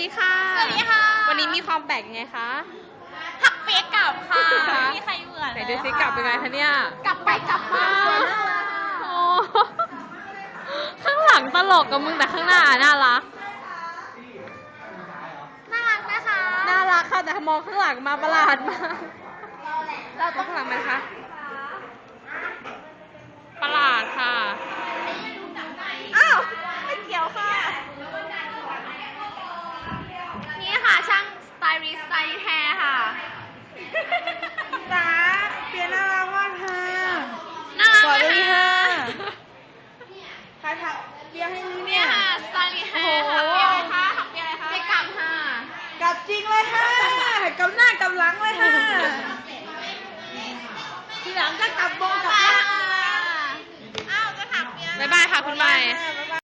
ดีค่ะสวัสดีค่ะวันนี้มีความแปลกยังไงคะหักเปียกกลับค่ะไม่มีใครเหมือนไหนดูซิกลับเป็นไงคะเนี่ยกลับไปกลับมาน่ารักโอ้ข้างหลังตลกกับมึงแต่ข้างหน้าน่ารักน่ารักนะคะน่ารักค่ะแต่มองข้างหลังมาประหลาดมากเราต้องข้างหลังมันคะประหลาดค่ะอ้าวไม่เกี่ยวค่ะ นี่ค่ะช่างสไตลิสต์สไตลิสต์แฮร์ค่ะจ๋าเปียน่ารักมากค่ะน่ารักสวัสไหมดีคะค่ะใครถักเปียให้นี่เนี่เนี่ย ยค่ะสไตลิสต์แฮร์หักเปียอะไรคะหักเปียอะไรคะไปกลับค่ะกลับจริงเลยค่ะกลับหน้ากลับหลังเลยค่ะ ทีหลังก็กลับบงกลับล่างอ้าวจะหักเปียบ๊ายบายค่ะคุณใหม่บ๊าย